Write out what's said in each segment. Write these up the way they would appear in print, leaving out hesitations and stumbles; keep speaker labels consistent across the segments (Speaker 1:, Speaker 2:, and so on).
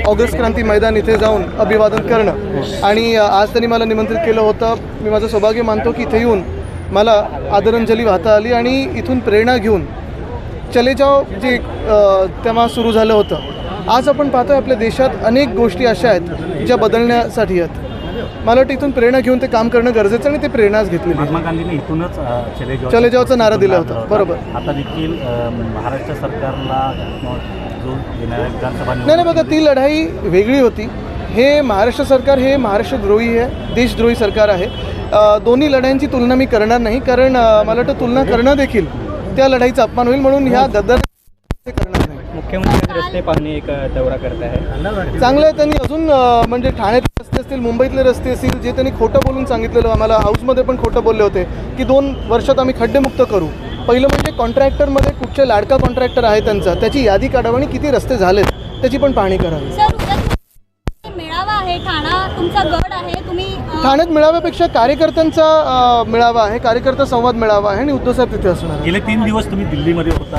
Speaker 1: August क्रांती मैदान इथे जाऊन अभिवादन करणं आणि आज त्यांनी मला निमंत्रित केलं होतं. मी माझं सौभाग्य मानतो की इथे येऊन मला आदरांजली वाहता आली आणि इथून प्रेरणा घेऊन चले जाओ जे तेव्हा सुरू झालं होतं. आज आपण पाहतोय आपल्या देशात अनेक गोष्टी अशा आहेत ज्या बदलण्यासाठी आहेत. मला वाटतं इथून प्रेरणा घेऊन ते काम करणं गरजेचं आणि ते प्रेरणाच घेतलेली.
Speaker 2: महात्मा गांधींनी इथूनच
Speaker 1: चले जाओचा नारा दिला होता. बरोबर.
Speaker 2: आता देखील महाराष्ट्र सरकारला जो येणाऱ्या विधानसभा
Speaker 1: नाही बघा, ती लढाई वेगळी होती. हे महाराष्ट्र सरकार हे महाराष्ट्रद्रोही आहे, देशद्रोही सरकार आहे. दोन्ही लढाईंची तुलना मी करणार नाही, कारण मला वाटतं तुलना करणं देखील त्या लढाईचा अपमान होईल. म्हणून ह्या गद्दार करणार नाही.
Speaker 3: मुख्यमंत्री रस्ते पाहणे एक दौरा करत आहे.
Speaker 1: चांगलं आहे. त्यांनी अजून म्हणजे ठाण्यातले रस्ते असतील, मुंबईतले रस्ते असतील, जे त्यांनी खोटं बोलून सांगितलेलं, आम्हाला हाऊसमध्ये पण खोटं बोलले होते की 2 वर्षात आम्ही खड्डेमुक्त करू. पहिलं म्हणजे कॉन्ट्रॅक्टरमध्ये कुठचे लाडका कॉन्ट्रॅक्टर आहे त्यांचा, त्याची यादी काढावी आणि किती रस्ते झालेत त्याची पण पाहणी करावी.
Speaker 4: मेळावा आहे, ठाणा तुमचा गड आहे, तुम्ही
Speaker 1: ठाण्यात मेळाव्यापेक्षा कार्यकर्त्यांचा मेळावा आहे, कार्यकर्ता संवाद मेळावा आहे आणि उद्धवसाहेब तिथे असणार.
Speaker 2: गेले 3 दिवस तुम्ही दिल्लीमध्ये होता,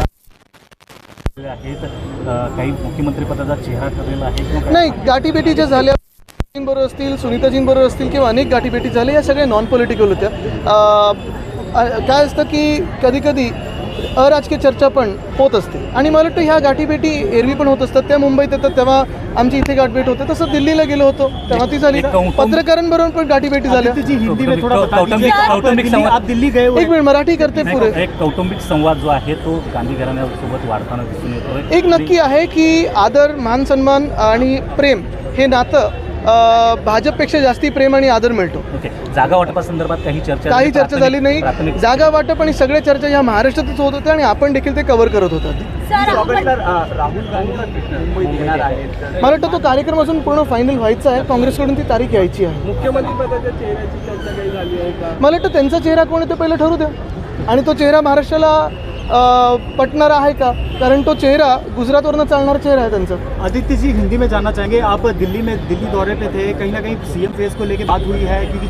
Speaker 2: काही मुख्यमंत्री पदाचा चेहरा ठरलेला आहे?
Speaker 1: नाही, गाठीभेटी ज्या झाल्या बरोबर असतील, सुनीताजींबरोबर असतील किंवा अनेक गाठीभेटी झाल्या, या सगळ्या नॉन पॉलिटिकल होत्या. काय असतं की कधी कधी अराजकीय चर्चा पण होत असते आणि मला वाटतं ह्या गाठीभेटी एरवी पण होत असतात. त्या मुंबईत येतात तेव्हा आमची इथे गाठभेट होते, तसं दिल्लीला गेलो होतो तेव्हा ती झाली. पत्रकारांबरोबर पण गाठीभेटी झाल्या. एक मिनिट, मराठी करते पुरे.
Speaker 2: एक कौटुंबिक संवाद जो आहे तो गांधी घराण्यासोबत वाढताना दिसून येतोय.
Speaker 1: एक नक्की आहे की आदर, मान सन्मान आणि प्रेम हे नातं भाजपपेक्षा जास्ती प्रेम आणि आदर मिळतो.
Speaker 2: जागा वाटपासंदर्भात काही चर्चा
Speaker 1: झाली नाही. जागा वाटप आणि सगळ्या चर्चा ह्या महाराष्ट्रातच होत होत्या आणि आपण देखील ते कव्हर करत होतात. मला वाटतं तो कार्यक्रम अजून पूर्ण फायनल व्हायचा आहे. काँग्रेसकडून ती तारीख यायची आहे.
Speaker 3: मुख्यमंत्रीपदाच्या चेहऱ्याची चर्चा काही झाली आहे का?
Speaker 1: मला वाटतं त्यांचा चेहरा कोण आहे ते पहिलं ठरू द्या आणि तो चेहरा महाराष्ट्राला पटणारा आहे का, कारण तो चेहरा गुजरातवरनं चालणारा चेहरा आहे त्यांचा.
Speaker 3: आदित्य जी, हिंदी में जानना चाहेंगे, आप दिल्ली दौरे पे थे, कहीं ना कहीं सीएम फेस को लेके बात हुई है क्योंकि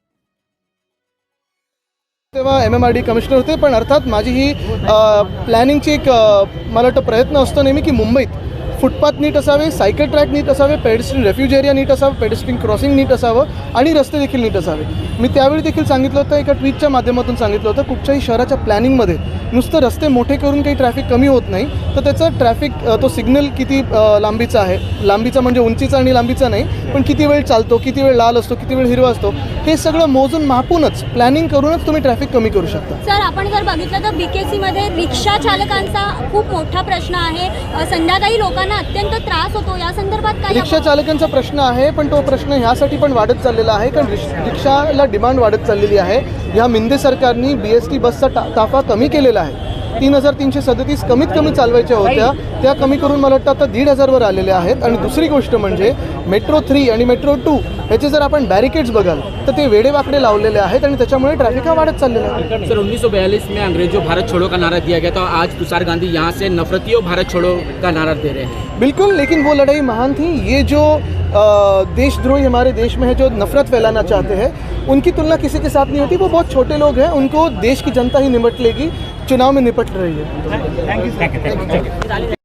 Speaker 1: तेव्हा MMRD कमिशनर होते. पण अर्थात माझी ही प्लॅनिंगची एक मला वाटतं प्रयत्न असतो नेहमी की मुंबईत फुटपाथ नीट असावे, सायकल ट्रॅक नीट असावे, पेडेस्ट्रियन रेफ्यूज एरिया नीट असावं, पेडेस्ट्रियन क्रॉसिंग नीट असावं आणि रस्ते देखील नीट असावे. मी त्यावेळी देखील सांगितलं होतं, एका ट्विटच्या माध्यमातून सांगितलं होतं, कुठच्याही शहराच्या प्लॅनिंगमध्ये नुसतं रस्ते मोठे करून काही ट्रॅफिक कमी होत नाही, तर त्याचं ट्रॅफिक तो सिग्नल किती लांबीचा आहे, लांबीचा म्हणजे उंचीचा आणि लांबीचा नाही, पण किती वेळ चालतो, किती वेळ लाल असतो, किती वेळ हिरवा असतो, हे सगळं मोजून मापूनच प्लॅनिंग करूनच तुम्ही ट्रॅफिक कमी करू शकता.
Speaker 4: सर, आपण जर बघितलं तर BKC मध्ये रिक्षा चालकांचा खूप मोठा प्रश्न आहे. संध्याकाळी लोकांना अत्यंत त्रास होतो. या संदर्भात काय?
Speaker 1: रिक्षा चालकांचा प्रश्न आहे, पण तो प्रश्न ह्यासाठी पण वाढत चाललेला आहे कारण रिक्षाला डिमांड वाढत चाललेली आहे. ह्या मिंदे सरकारनी BST बसचा ताफा कमी केलेला आहे. 3,337 कमीत कमी चालवायच्या होत्या, त्या कमी करून मला वाटतं आता 1,500वर आलेल्या आहेत. आणि दुसरी गोष्ट म्हणजे मेट्रो 3 आणि मेट्रो 2 ह्याचे जर आपण बॅरिकेड्स बघाल तर ते वेडेवाकडे लावलेले आहेत आणि त्याच्यामुळे ट्रॅफिक हा वाढत चाललेला आहे.
Speaker 5: सर, 1942 में अंग्रेजों भारत छोड़ो का नारा दिया गया था, आज तुषार गांधी यहाँ से नफरतियों भारत छोड़ो का नारा दे रहे हैं.
Speaker 1: बिल्कुल, लेकिन वो लड़ाई महान थी. ये जो देशद्रोही हमारे देश में है, जो नफरत फैलाना चाहते हैं, उनकी तुलना किसी के साथ नहीं होती. वो बहुत छोटे लोग हैं, उनको देश की जनता ही निपट लेगी, चुनाव में निपट रही है.
Speaker 2: Thank you.